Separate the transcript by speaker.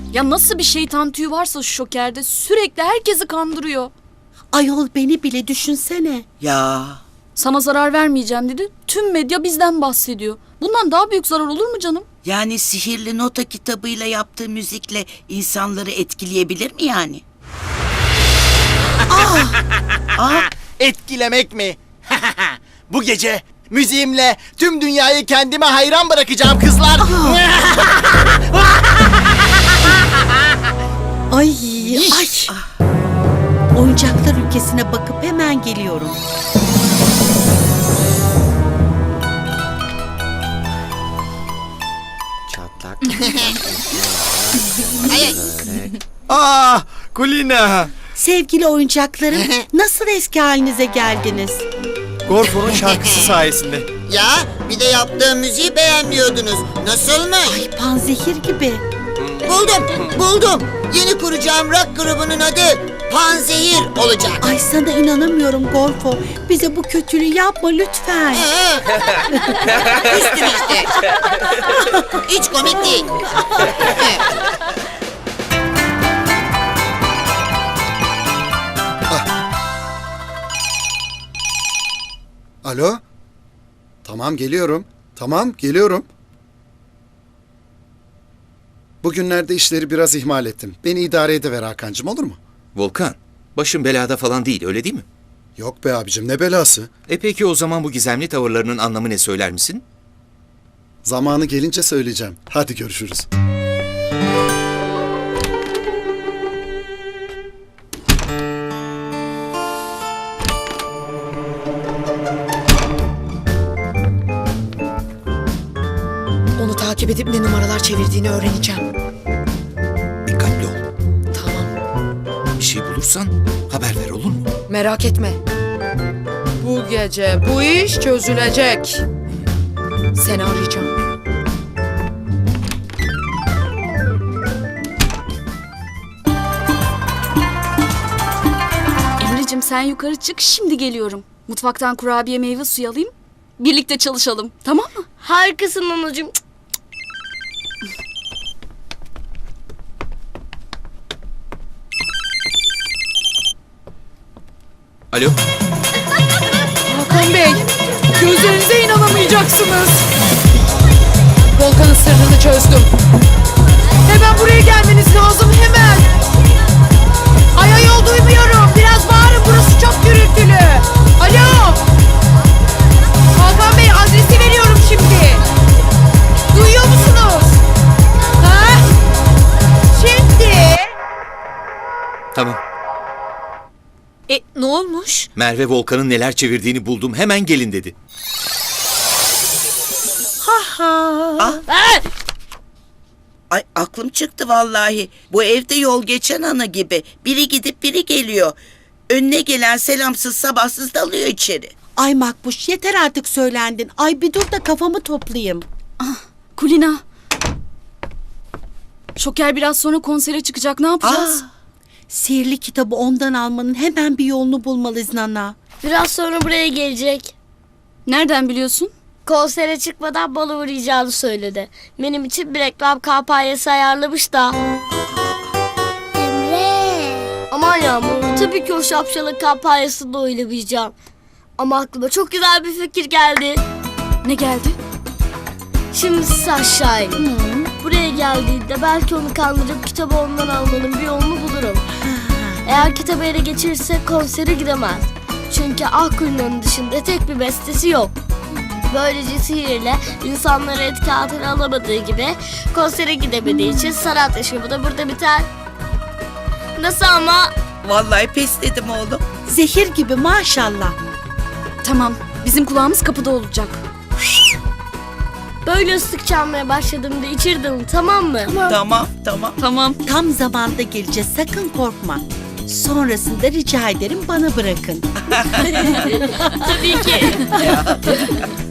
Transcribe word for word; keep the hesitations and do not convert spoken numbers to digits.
Speaker 1: Ya nasıl bir şeytan tüyü varsa şu Şoker'de sürekli herkesi kandırıyor.
Speaker 2: Ayol beni bile düşünsene.
Speaker 3: Ya
Speaker 1: Sana zarar vermeyeceğim dedi. Tüm medya bizden bahsediyor. Bundan daha büyük zarar olur mu canım?
Speaker 3: yani sihirli nota kitabıyla yaptığı müzikle insanları etkileyebilir mi yani?
Speaker 4: Etkilemek mi? Bu gece müziğimle tüm dünyayı kendime hayran bırakacağım kızlar.
Speaker 2: Ay ay. Oyuncaklar ülkesine bakıp hemen geliyorum.
Speaker 4: Çatlak.
Speaker 5: Aa, Kulina.
Speaker 2: Sevgili oyuncaklarım, nasıl eski halinize geldiniz?
Speaker 5: Gorfo'nun şarkısı sayesinde.
Speaker 6: Ya bir de yaptığım müziği beğenmiyordunuz. Nasılmış?
Speaker 2: Ay panzehir gibi.
Speaker 6: Buldum, buldum. Yeni kuracağım rock grubunun adı Panzehir olacak.
Speaker 2: Ay sana inanamıyorum Gorfo. Bize bu kötülüğü yapma lütfen.
Speaker 6: Üstün işte. Hiç komik değil.
Speaker 7: Alo? Tamam geliyorum. Tamam geliyorum. Bugünlerde işleri biraz ihmal ettim. Beni idare ediver Hakan'cığım, olur mu?
Speaker 8: Volkan, başın belada falan değil, öyle değil mi?
Speaker 7: Yok be abicim, ne belası.
Speaker 8: E peki o zaman bu gizemli tavırlarının anlamı ne, söyler misin?
Speaker 7: Zamanı gelince söyleyeceğim. Hadi görüşürüz.
Speaker 9: Onu takip edip ne numaralar çevirdiğini öğreneceğim.
Speaker 8: Dikkatli ol.
Speaker 9: Tamam.
Speaker 8: Bir şey bulursan haber ver, olur mu?
Speaker 9: Merak etme. Bu gece bu iş çözülecek. Seni arayacağım.
Speaker 1: Emre'cim sen yukarı çık, şimdi geliyorum. Mutfaktan kurabiye meyve suyu alayım. Birlikte çalışalım, tamam mı?
Speaker 10: Harikasın anacığım.
Speaker 8: Alo?
Speaker 9: Hakan Bey, gözlerinize inanamayacaksınız. Volkan'ın sırrını çözdüm. Hemen buraya gelmeniz lazım, hemen. Ay ayol duymuyorum. Biraz bağırın, burası çok gürültülü. Alo. Hakan Bey, adresi veriyorum şimdi. Duyuyor musunuz? Ha? Şimdi.
Speaker 8: Tamam.
Speaker 1: E ne olmuş?
Speaker 8: Merve Volkan'ın neler çevirdiğini buldum, hemen gelin dedi.
Speaker 3: Ay aklım çıktı vallahi. Bu evde yol geçen ana gibi. Biri gidip biri geliyor. Önüne gelen selamsız sabahsız dalıyor içeri.
Speaker 2: Ay Makbuş yeter artık söylendin. Ay bir dur da kafamı toplayayım.
Speaker 1: Kulina. Şoker biraz sonra konsere çıkacak, ne yapacağız?
Speaker 3: Aa,
Speaker 2: Sihirli kitabı ondan almanın hemen bir yolunu bulmalıyız Nana.
Speaker 10: Biraz sonra buraya gelecek.
Speaker 1: Nereden biliyorsun?
Speaker 10: Konsere çıkmadan bana uğrayacağını söyledi. Benim için bir reklam kampanyası ayarlamış da. Emre. Aman Yağmur, tabii ki o şapşalın kampanyasında oynamayacağım. Ama aklıma çok güzel bir fikir geldi.
Speaker 1: Ne geldi?
Speaker 10: Şimdi siz aşağı inin. Buraya geldiğinde belki onu kandırıp kitabı ondan almanın bir yolunu bulurum. Eğer kitabı ele geçirirse konsere gidemez. Çünkü Akkulina'nın dışında tek bir bestesi yok. Böylece sihirle insanları etki altına alamadığı gibi konsere gidemediği için sanat yaşamı da burada biter. Nasıl ama?
Speaker 3: vallahi pes dedim oğlum.
Speaker 2: Zehir gibi maşallah.
Speaker 1: Tamam, bizim kulağımız kapıda olacak.
Speaker 10: Böyle ıslık çalmaya başladığımda içirdim, tamam mı?
Speaker 3: Tamam tamam.
Speaker 1: Tamam.
Speaker 2: Tam zamanda geleceğiz, sakın korkma. Sonrasında rica ederim bana bırakın.
Speaker 10: Tabii ki.